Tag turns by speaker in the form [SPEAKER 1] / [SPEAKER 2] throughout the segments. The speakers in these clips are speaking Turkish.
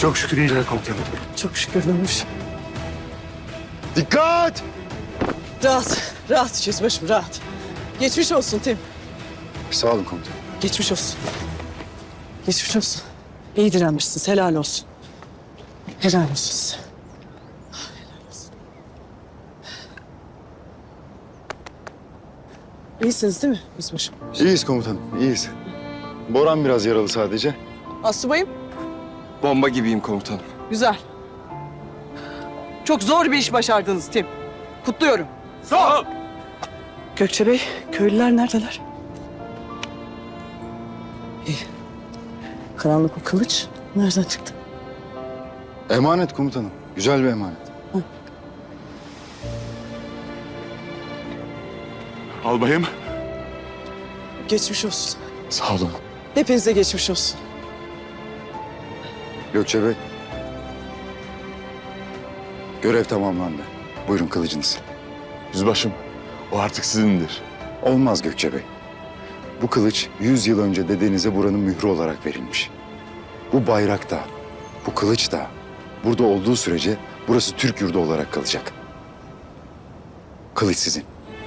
[SPEAKER 1] Çok şükür iyiler komutanım.
[SPEAKER 2] Çok şükür dönmüş.
[SPEAKER 1] Dikkat!
[SPEAKER 2] Rahat, rahat yüzbaşım, rahat. Geçmiş olsun Tim.
[SPEAKER 1] Sağ olun komutanım.
[SPEAKER 2] Geçmiş olsun. Geçmiş olsun. İyi direnmişsiniz, helal olsun. Helal olsun size. Helal olsun. İyisiniz değil mi yüzbaşım?
[SPEAKER 1] İyiyiz komutanım, iyiyiz. Boran biraz yaralı sadece.
[SPEAKER 2] Asubayım,
[SPEAKER 3] Bomba gibiyim komutanım.
[SPEAKER 2] güzel. Çok zor bir iş başardınız Tim. Kutluyorum.
[SPEAKER 3] Sağ ol.
[SPEAKER 2] Gökçe Bey, köylüler neredeler? İyi. Karanlık o kılıç nereden çıktı?
[SPEAKER 1] Emanet komutanım, güzel bir emanet.
[SPEAKER 4] Albayım.
[SPEAKER 2] Geçmiş olsun.
[SPEAKER 1] Sağ olun.
[SPEAKER 2] Hepinize geçmiş olsun.
[SPEAKER 1] Gökçe Bey. Görev tamamlandı. Buyurun kılıcınız.
[SPEAKER 4] Yüzbaşım, o artık sizindir.
[SPEAKER 1] Olmaz Gökçe Bey. Bu kılıç 100 yıl önce dedenize buranın mührü olarak verilmiş. Bu bayrak da, bu kılıç da burada olduğu sürece burası Türk yurdu olarak kalacak. Kılıç sizin.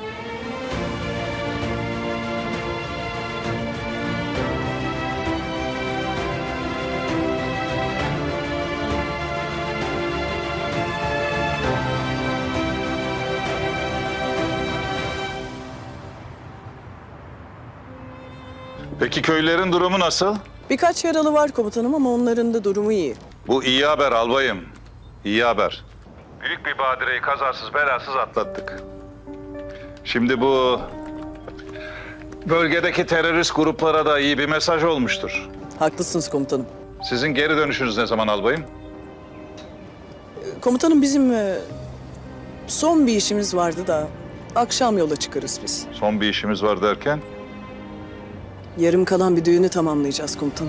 [SPEAKER 5] Peki köylerin durumu nasıl?
[SPEAKER 2] Birkaç yaralı var komutanım ama onların da durumu iyi.
[SPEAKER 5] Bu iyi haber albayım. İyi haber. Büyük bir badireyi kazasız belasız atlattık. Şimdi bu bölgedeki terörist gruplara da iyi bir mesaj olmuştur.
[SPEAKER 2] Haklısınız komutanım.
[SPEAKER 5] Sizin geri dönüşünüz ne zaman albayım?
[SPEAKER 2] Komutanım bizim son bir işimiz vardı da akşam yola çıkarız biz.
[SPEAKER 5] Son bir işimiz var derken?
[SPEAKER 2] Yarım kalan bir düğünü tamamlayacağız komutanım.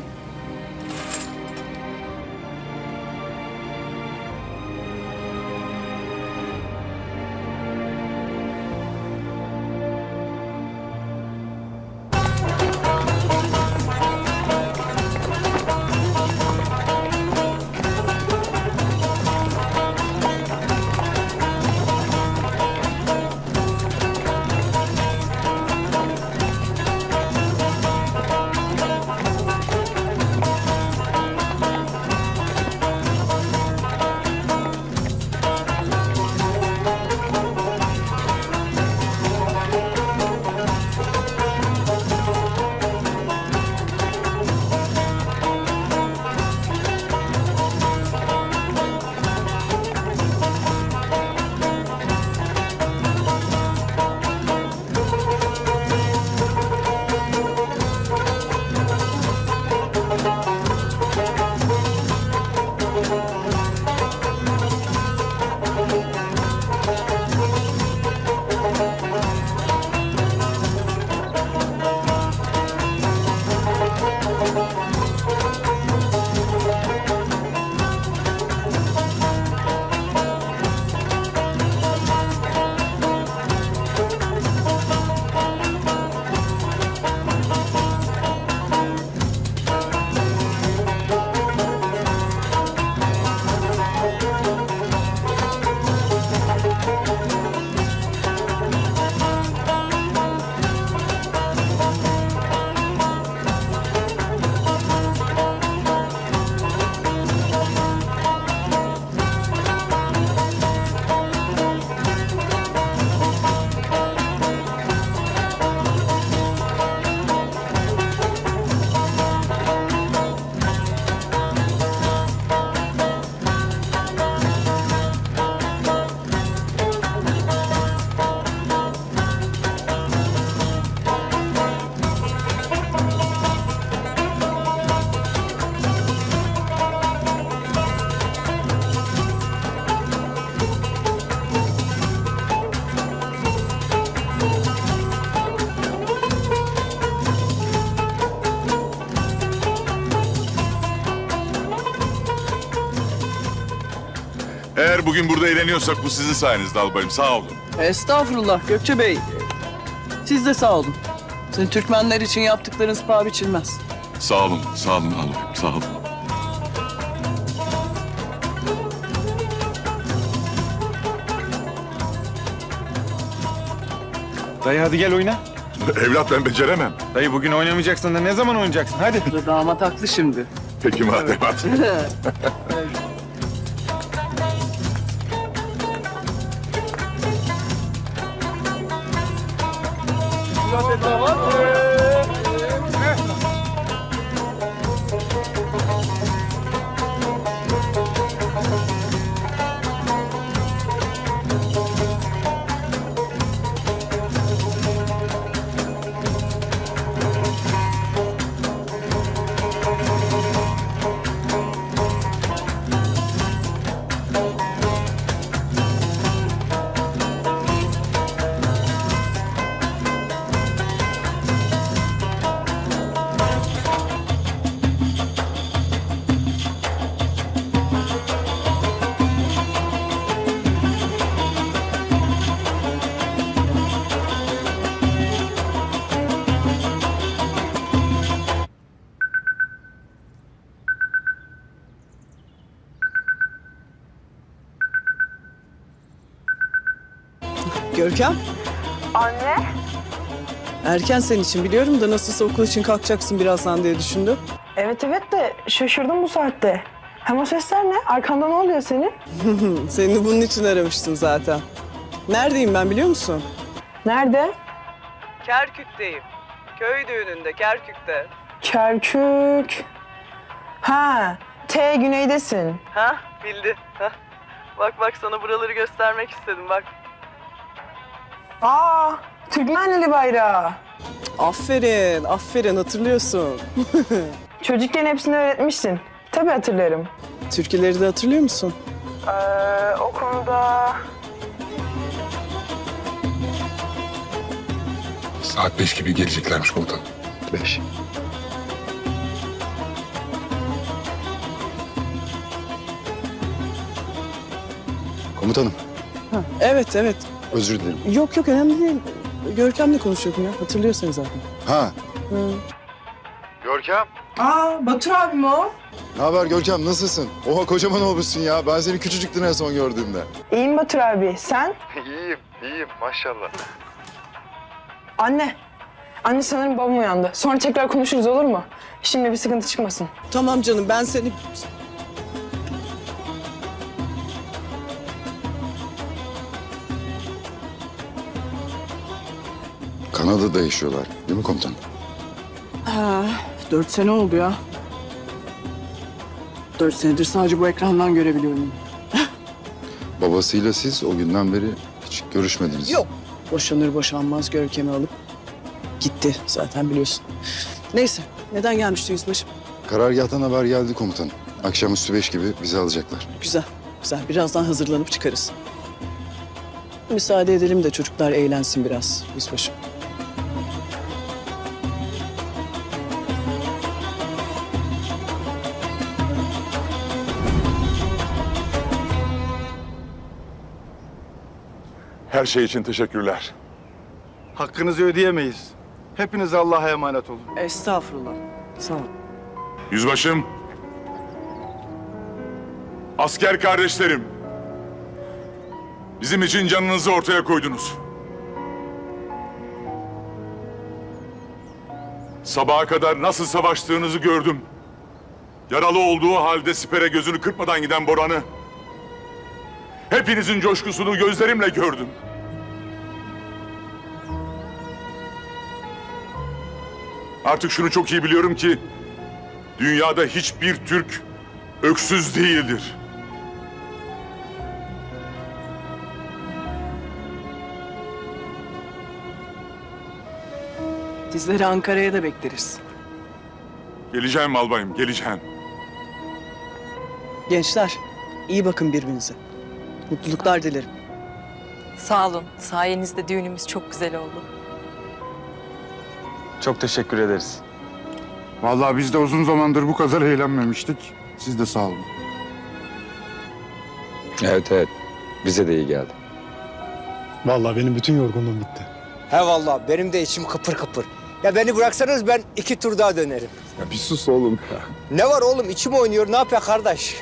[SPEAKER 4] Eğer bugün burada eğleniyorsak bu sizin sayenizde albayım. Sağ olun.
[SPEAKER 2] Estağfurullah Gökçe Bey. Siz de sağ olun. Sizin Türkmenler için yaptıklarınız paha biçilmez.
[SPEAKER 4] Sağ olun albayım. Sağ olun.
[SPEAKER 6] Dayı hadi gel oyna.
[SPEAKER 4] Evlat ben beceremem.
[SPEAKER 6] Dayı bugün oynamayacaksın da ne zaman oynayacaksın? Hadi.
[SPEAKER 2] Damat haklı şimdi.
[SPEAKER 4] Peki madem hadi.
[SPEAKER 2] Görkem,
[SPEAKER 7] Anne,
[SPEAKER 2] erken senin için biliyorum da nasılsa okul için kalkacaksın birazdan diye düşündüm.
[SPEAKER 7] evet de şaşırdım bu saatte. Hem o sesler ne? Arkanda ne oluyor senin?
[SPEAKER 2] Seni bunun için aramıştım zaten. Neredeyim ben biliyor musun?
[SPEAKER 7] Nerede?
[SPEAKER 2] Kerkük'teyim. Köy düğününde, Kerkük'te.
[SPEAKER 7] Kerkük. Ha, güneydesin.
[SPEAKER 2] Ha, bildi. Ha. Bak sana buraları göstermek istedim bak.
[SPEAKER 7] Aa, Türkmenli bayrağı.
[SPEAKER 2] Aferin hatırlıyorsun.
[SPEAKER 7] Çocukken hepsini öğretmişsin. Tabii hatırlarım.
[SPEAKER 2] Türküleri de hatırlıyor musun?
[SPEAKER 7] O konuda...
[SPEAKER 8] Saat 5 gibi geleceklermiş komutanım.
[SPEAKER 1] 5. Komutanım,
[SPEAKER 2] Evet.
[SPEAKER 1] özür dilerim.
[SPEAKER 2] Yok önemli değil. Görkem'le konuşuyordum ya. Hatırlıyorsun zaten.
[SPEAKER 1] Ha,
[SPEAKER 8] Görkem.
[SPEAKER 7] Aa, Batur abim o.
[SPEAKER 1] ne haber Görkem, nasılsın? Oha kocaman olmuşsun ya. Ben seni küçücüktün en son gördüğümde.
[SPEAKER 7] İyiyim Batur abi. Sen?
[SPEAKER 8] İyiyim maşallah.
[SPEAKER 7] Anne. Anne sanırım babam uyandı. Sonra tekrar konuşuruz olur mu? Şimdi bir sıkıntı çıkmasın.
[SPEAKER 2] Tamam canım ben seni...
[SPEAKER 1] Kanada'da yaşıyorlar, değil mi komutanım?
[SPEAKER 2] 4 sene oldu ya. 4 senedir sadece bu ekrandan görebiliyorum.
[SPEAKER 1] Babasıyla siz o günden beri hiç görüşmediniz.
[SPEAKER 2] Yok. Boşanır boşanmaz Görkem'i alıp gitti zaten biliyorsun. Neyse neden gelmişti yüzbaşım?
[SPEAKER 1] Karargâhtan haber geldi komutanım. Akşamüstü 5 gibi bizi alacaklar.
[SPEAKER 2] Güzel. Birazdan hazırlanıp çıkarız. Müsaade edelim de çocuklar eğlensin biraz yüzbaşım.
[SPEAKER 4] Her şey için teşekkürler.
[SPEAKER 6] Hakkınızı ödeyemeyiz. Hepiniz Allah'a emanet olun.
[SPEAKER 2] Estağfurullah. Sağ ol.
[SPEAKER 4] Yüzbaşım. Asker kardeşlerim. Bizim için canınızı ortaya koydunuz. Sabaha kadar nasıl savaştığınızı gördüm. Yaralı olduğu halde sipere gözünü kırpmadan giden Boran'ı. Hepinizin coşkusunu gözlerimle gördüm. Artık şunu çok iyi biliyorum ki dünyada hiçbir Türk öksüz değildir.
[SPEAKER 2] Sizleri Ankara'ya da bekleriz.
[SPEAKER 4] Geleceğim albayım, geleceğim.
[SPEAKER 2] Gençler iyi bakın birbirinize. Mutluluklar dilerim.
[SPEAKER 9] Sağ olun. Sayenizde düğünümüz çok güzel oldu.
[SPEAKER 6] Çok teşekkür ederiz. Vallahi biz de uzun zamandır bu kadar eğlenmemiştik. Siz de sağ olun.
[SPEAKER 3] Evet. Bize de iyi geldi.
[SPEAKER 10] Vallahi benim bütün yorgunluğum bitti.
[SPEAKER 11] He vallahi benim de içim kıpır kıpır. Ya beni bıraksanız ben 2 tur daha dönerim.
[SPEAKER 8] Ya bir sus oğlum ya.
[SPEAKER 11] Ne var oğlum içim oynuyor ne yapıyor kardeş?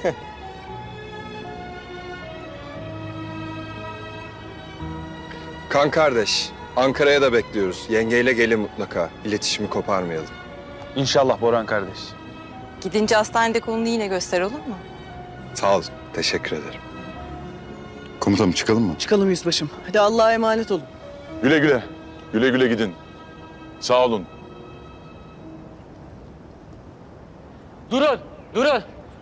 [SPEAKER 3] Kan kardeş, Ankara'ya da bekliyoruz. Yengeyle gelin mutlaka. İletişimi koparmayalım.
[SPEAKER 10] İnşallah Boran kardeş.
[SPEAKER 9] Gidince hastanede kolunu yine göster, olur mu?
[SPEAKER 3] Sağ ol. Teşekkür ederim.
[SPEAKER 1] Komutanım çıkalım mı?
[SPEAKER 2] Çıkalım yüzbaşım. Hadi Allah'a emanet olun.
[SPEAKER 4] Güle güle. Güle güle gidin. Sağ olun.
[SPEAKER 11] Durun, durun.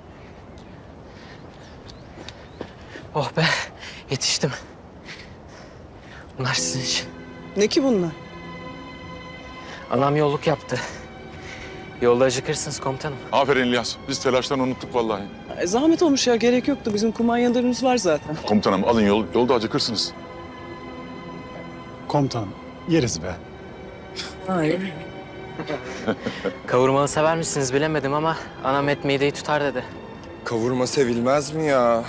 [SPEAKER 11] Oh be, yetiştim. Bunlar sizin için.
[SPEAKER 2] Ne ki bunlar?
[SPEAKER 11] Anam yolluk yaptı. Yolda acıkırsınız komutanım.
[SPEAKER 4] Aferin İlyas. Biz telaştan unuttuk vallahi.
[SPEAKER 2] Zahmet olmuş ya, gerek yoktu. Bizim kumanyalarımız var zaten.
[SPEAKER 4] Komutanım alın yolda acıkırsınız.
[SPEAKER 10] Komutanım yeriz be.
[SPEAKER 2] Hayır.
[SPEAKER 11] Kavurmalı sever misiniz bilemedim ama anam et mideyi tutar dedi.
[SPEAKER 3] Kavurma sevilmez mi ya?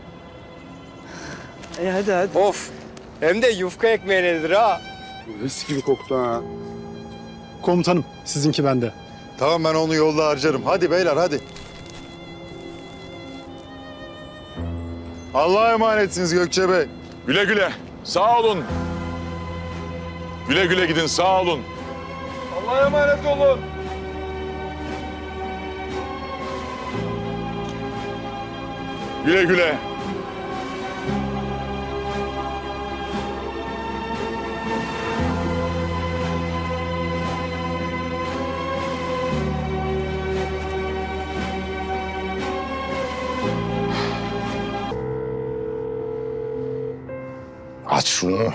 [SPEAKER 2] Hadi hadi.
[SPEAKER 11] Of! Hem de yufka ekmeğinedir ha.
[SPEAKER 6] Mis gibi koktu ha.
[SPEAKER 10] Komutanım sizinki bende.
[SPEAKER 1] Tamam ben onu yolda harcarım. Hadi beyler hadi. Allah'a emanetsiniz Gökçe Bey.
[SPEAKER 4] Güle güle. Sağ olun. Güle güle gidin. Sağ olun.
[SPEAKER 3] Allah'a emanet olun.
[SPEAKER 4] Güle güle.
[SPEAKER 8] Aç şunu.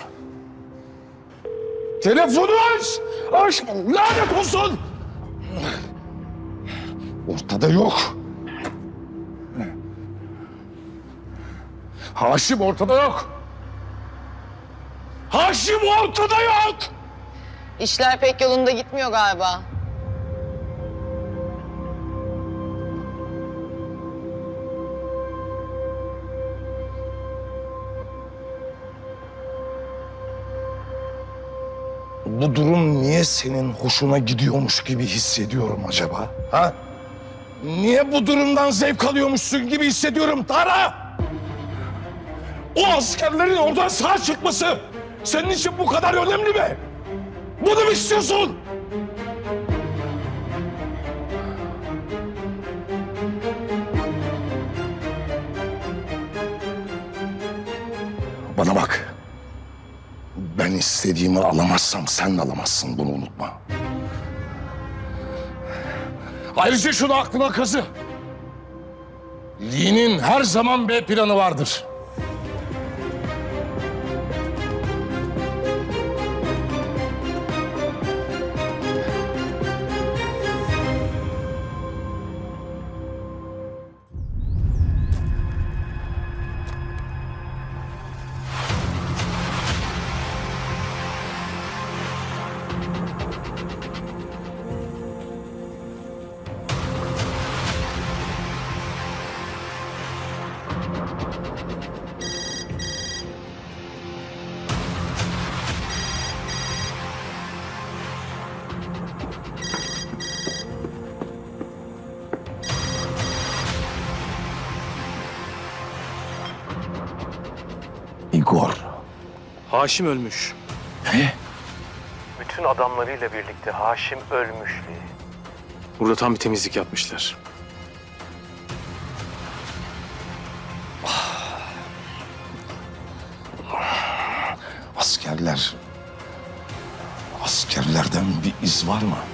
[SPEAKER 8] Telefonu aç! Aç! Lanet olsun! Ortada yok. Haşim ortada yok. Haşim ortada yok!
[SPEAKER 7] İşler pek yolunda gitmiyor galiba.
[SPEAKER 8] Bu durum niye senin hoşuna gidiyormuş gibi hissediyorum acaba? Ha? Niye bu durumdan zevk alıyormuşsun gibi hissediyorum Tara? O askerlerin oradan sağ çıkması senin için bu kadar önemli mi? Bunu mu istiyorsun? Bana bak. Ben istediğimi alamazsam sen de alamazsın. Bunu unutma. Ayrıca şunu aklına kazı. Lee'nin her zaman B planı vardır. Igor.
[SPEAKER 10] Haşim ölmüş.
[SPEAKER 8] Ne?
[SPEAKER 10] Bütün adamlarıyla birlikte Haşim ölmüş. Burada tam bir temizlik yapmışlar.
[SPEAKER 8] Askerlerden bir iz var mı?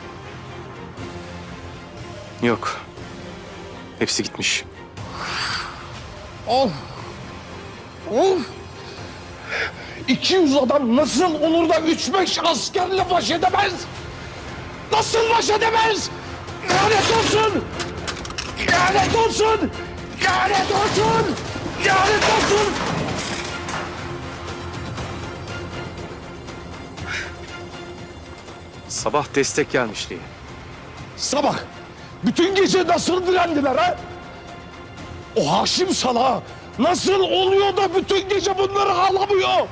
[SPEAKER 10] Yok. Hepsi gitmiş.
[SPEAKER 8] 200 adam nasıl olur da 3-5 askerle baş edemez? Nasıl baş edemez? Lanet olsun! Lanet olsun! Lanet olsun! Lanet olsun!
[SPEAKER 10] Sabah destek gelmişti.
[SPEAKER 8] Sabah bütün gece nasıl direndiler ha? O Haşim salağı nasıl oluyor da bütün gece bunları ağlamıyor?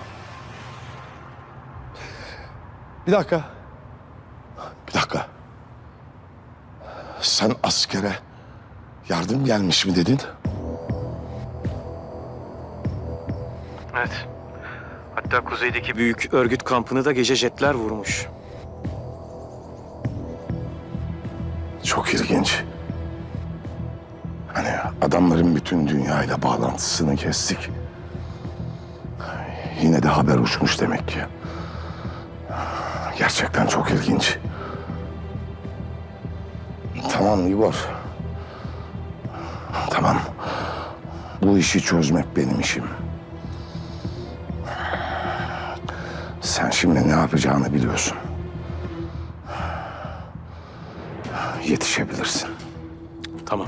[SPEAKER 8] Bir dakika. Bir dakika. Sen askere yardım gelmiş mi dedin?
[SPEAKER 10] Evet. Hatta kuzeydeki büyük örgüt kampını da gece jetler vurmuş.
[SPEAKER 8] Çok ilginç. Hani adamların bütün dünyayla bağlantısını kestik. Yine de haber uçmuş demek ki. Gerçekten çok ilginç. Tamam Igor. Tamam. Bu işi çözmek benim işim. Sen şimdi ne yapacağını biliyorsun. Yetişebilirsin.
[SPEAKER 10] Tamam.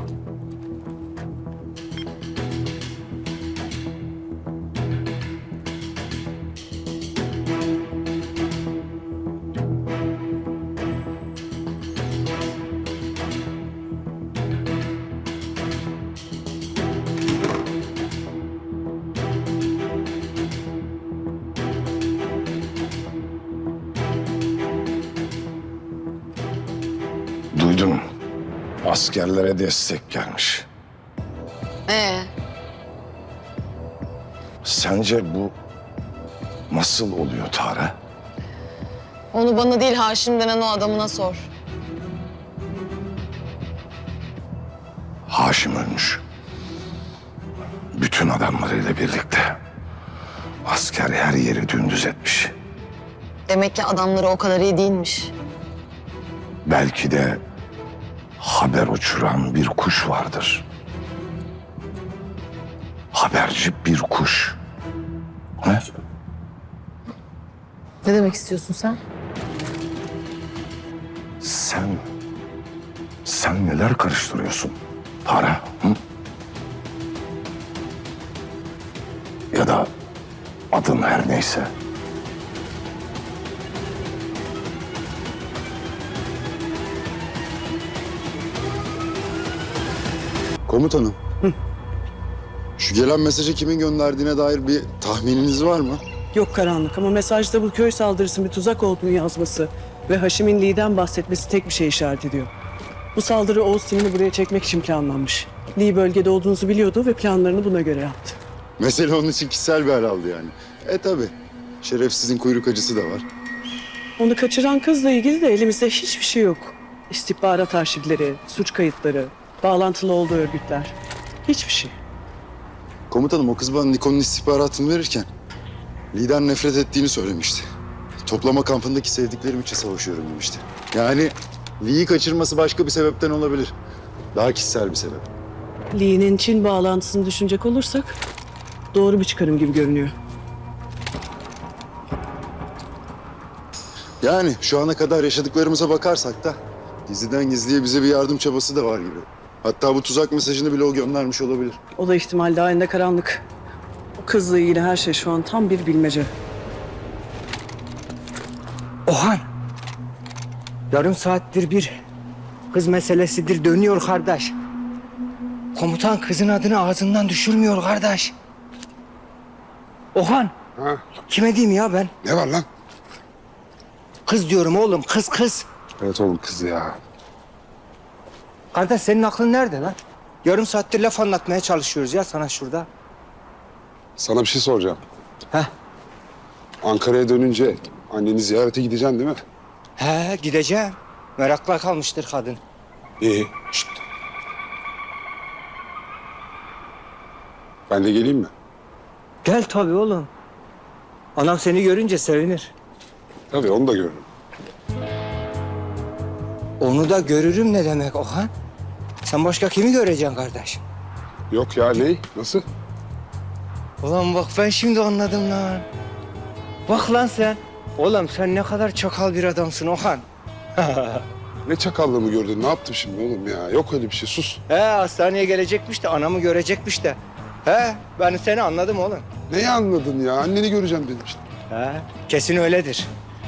[SPEAKER 8] Duydum. Askerlere destek gelmiş. Sence bu nasıl oluyor Tara?
[SPEAKER 12] Onu bana değil Haşim denen o adamına sor.
[SPEAKER 8] Haşim ölmüş. Bütün adamlarıyla birlikte. Asker her yeri dümdüz etmiş.
[SPEAKER 12] Demek ki adamları o kadar iyi değilmiş.
[SPEAKER 8] Belki de haber uçuran bir kuş vardır. Haberci bir kuş. He?
[SPEAKER 12] Ne demek istiyorsun sen?
[SPEAKER 8] Sen neler karıştırıyorsun Tara? Hı? Ya da adın her neyse.
[SPEAKER 1] Komutanım. Şu gelen mesajı kimin gönderdiğine dair bir tahmininiz var mı?
[SPEAKER 2] Yok karanlık ama mesajda bu köy saldırısının bir tuzak olduğunu yazması ve Haşim'in Lee'den bahsetmesi tek bir şey işaret ediyor. Bu saldırı Oğuz Sinan'ı buraya çekmek için planlanmış. Lee bölgede olduğunuzu biliyordu ve planlarını buna göre yaptı.
[SPEAKER 1] Mesele onun için kişisel bir hal aldı yani. Tabii. Şerefsizin kuyruk acısı da var.
[SPEAKER 2] Onu kaçıran kızla ilgili de elimizde hiçbir şey yok. İstihbarat arşivleri, suç kayıtları, bağlantılı olduğu örgütler. Hiçbir şey.
[SPEAKER 1] Komutanım o kız bana Nikon'un istihbaratını verirken Lee'den nefret ettiğini söylemişti. Toplama kampındaki sevdiklerim için savaşıyorum demişti. Yani Lee'yi kaçırması başka bir sebepten olabilir. Daha kişisel bir sebep.
[SPEAKER 2] Lee'nin Çin bağlantısını düşünecek olursak doğru bir çıkarım gibi görünüyor.
[SPEAKER 1] Yani şu ana kadar yaşadıklarımıza bakarsak da gizliden gizliye bize bir yardım çabası da var gibi. Hatta bu tuzak mesajını bile o göndermiş olabilir.
[SPEAKER 2] O da ihtimal dahilinde karanlık. O kızla ilgili her şey şu an tam bir bilmece.
[SPEAKER 11] Ohan. Yarım saattir bir kız meselesidir dönüyor kardeş. Komutan kızın adını ağzından düşürmüyor kardeş. Ohan.
[SPEAKER 6] Ha?
[SPEAKER 11] Kime diyeyim ya ben?
[SPEAKER 6] Ne var lan?
[SPEAKER 11] Kız diyorum oğlum, kız.
[SPEAKER 6] Evet oğlum kız ya.
[SPEAKER 11] Kardeş senin aklın nerede lan? Yarım saattir laf anlatmaya çalışıyoruz ya sana şurada.
[SPEAKER 6] Sana bir şey soracağım.
[SPEAKER 11] Heh.
[SPEAKER 6] Ankara'ya dönünce anneni ziyarete gideceksin değil mi?
[SPEAKER 11] He gideceğim. Merakla kalmıştır kadın.
[SPEAKER 6] İyi. Şşt. Ben de geleyim mi?
[SPEAKER 11] Gel tabii oğlum. Anam seni görünce sevinir.
[SPEAKER 6] Tabii onu da görürüm.
[SPEAKER 11] Onu da görürüm ne demek Ohan? Sen başka kimi göreceksin kardeş?
[SPEAKER 6] Yok ya ne? Nasıl?
[SPEAKER 11] Ulan bak ben şimdi anladım lan. Bak lan sen. Oğlum sen ne kadar çakal bir adamsın Ohan.
[SPEAKER 6] Ne çakallığımı gördün? Ne yaptım şimdi oğlum ya? Yok öyle bir şey. Sus.
[SPEAKER 11] He hastaneye gelecekmiş de anamı görecekmiş de. He ben seni anladım oğlum.
[SPEAKER 6] Neyi anladın ya? Anneni göreceğim dedim işte.
[SPEAKER 11] He kesin öyledir.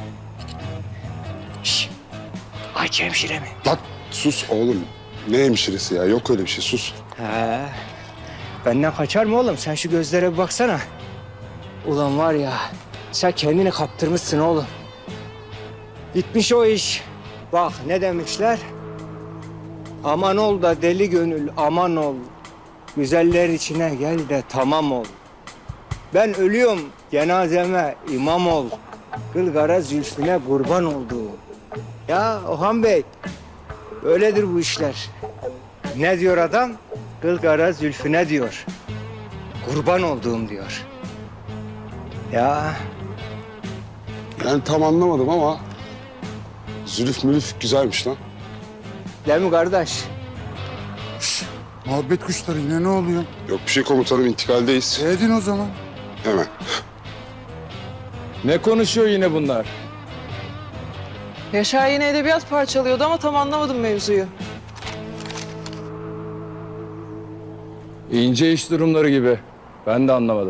[SPEAKER 11] Şş. Ayça hemşire mi?
[SPEAKER 6] Lan sus oğlum. Ne hemşiresi ya? Yok öyle bir şey. Sus.
[SPEAKER 11] He. Benden kaçar mı oğlum? Sen şu gözlere bir baksana. Ulan var ya sen kendini kaptırmışsın oğlum. Bitmiş o iş. Bak ne demişler? Aman ol da deli gönül aman ol. Güzeller içine gel de tamam ol. Ben ölüyorum cenazeme imam ol. Kılgara zülfüne kurban olduğum. Ya Orhan Bey, öyledir bu işler. Ne diyor adam? Kılgara zülfüne diyor. Kurban olduğum diyor. Ya
[SPEAKER 13] Yani tam anlamadım ama zülüf mülüf güzelmiş lan.
[SPEAKER 11] değil mi kardeş?
[SPEAKER 6] Muhabbet kuşları yine ne oluyor?
[SPEAKER 13] Yok bir şey komutanım, intikaldeyiz.
[SPEAKER 6] Edin o zaman.
[SPEAKER 13] Hemen.
[SPEAKER 10] Ne konuşuyor yine bunlar?
[SPEAKER 7] Yaşar yine edebiyat parçalıyordu ama tam anlamadım mevzuyu.
[SPEAKER 10] İnce iş durumları gibi. Ben de anlamadım.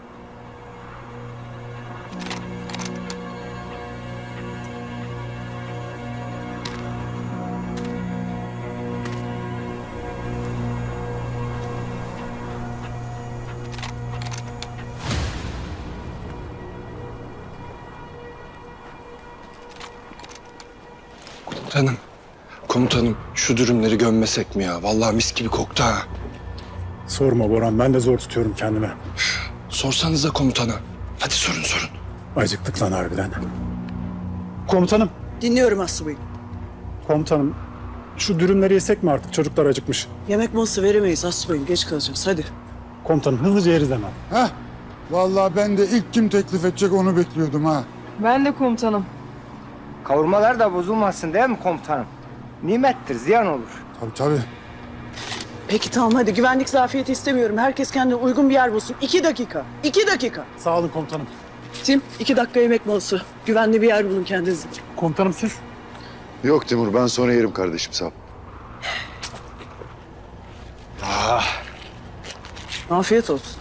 [SPEAKER 3] Komutanım şu dürümleri gömmesek mi ya? Vallahi mis gibi koktu ha.
[SPEAKER 6] Sorma Boran, ben de zor tutuyorum kendime.
[SPEAKER 3] Sorsanıza komutana. Hadi sorun.
[SPEAKER 6] Acıktık lan harbiden. Komutanım,
[SPEAKER 2] Dinliyorum Asubayım.
[SPEAKER 6] komutanım. Şu dürümleri yesek mi artık? Çocuklar acıkmış.
[SPEAKER 2] Yemek molası veremeyiz Asubayım. Geç kalacağız. Hadi.
[SPEAKER 6] Komutanım hızlıca yeriz hemen. Heh. Vallahi ben de ilk kim teklif edecek onu bekliyordum ha.
[SPEAKER 7] Ben de komutanım.
[SPEAKER 11] Kavurmalar da bozulmasın değil mi komutanım? Nimettir, ziyan olur.
[SPEAKER 6] Tabii.
[SPEAKER 2] Peki tamam hadi. Güvenlik zafiyeti istemiyorum. Herkes kendine uygun bir yer bulsun. 2 dakika. 2 dakika.
[SPEAKER 6] Sağ olun komutanım.
[SPEAKER 2] Tim 2 dakika yemek molası. Güvenli bir yer bulun kendinize.
[SPEAKER 6] Komutanım siz?
[SPEAKER 1] Yok Timur, ben sonra yerim kardeşim, sağ ol.
[SPEAKER 2] Afiyet olsun.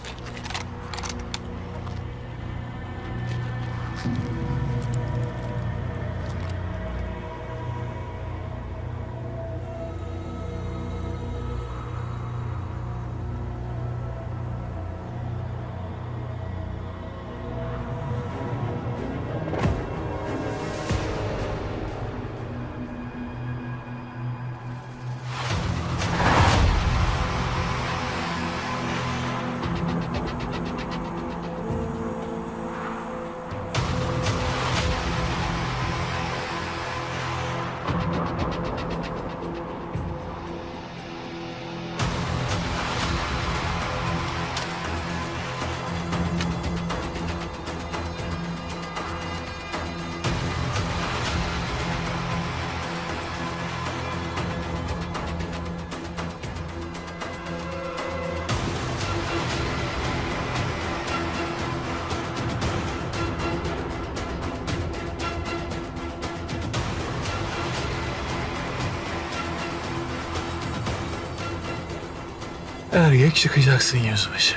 [SPEAKER 10] Erkek çıkacaksın yüzbaşı.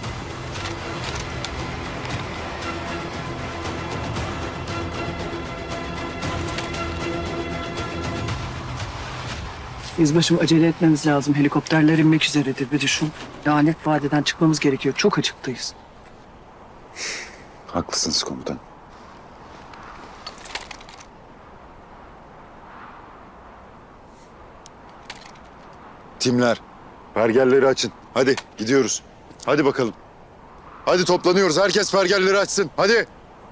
[SPEAKER 2] Yüzbaşım acele etmemiz lazım. Helikopterler inmek üzeredir. Bir düşün. Lanet vadiden çıkmamız gerekiyor. Çok açıktayız.
[SPEAKER 1] Haklısınız komutan. Timler, pergelleri açın. Hadi gidiyoruz. Hadi bakalım. Hadi toplanıyoruz. Herkes pergelleri açsın. Hadi.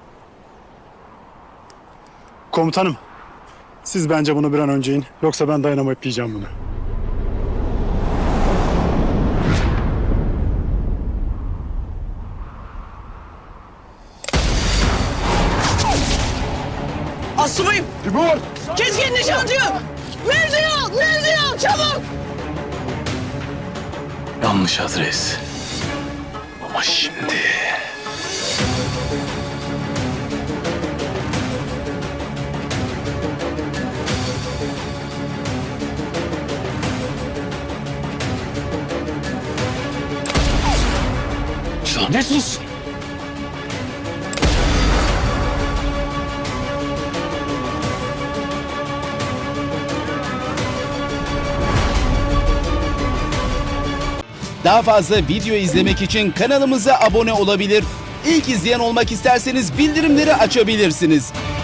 [SPEAKER 6] Komutanım, siz bence bunu bir an önce in. Yoksa ben dayanamayıp yiyeceğim bunu.
[SPEAKER 2] Asubayım!
[SPEAKER 6] Timur!
[SPEAKER 2] Keskin nişancı! Mevziyo! Çabuk!
[SPEAKER 10] Yanlış adres. Ama şimdi... Lanet olsun.
[SPEAKER 14] Daha fazla video izlemek için kanalımıza abone olabilir. İlk izleyen olmak isterseniz bildirimleri açabilirsiniz.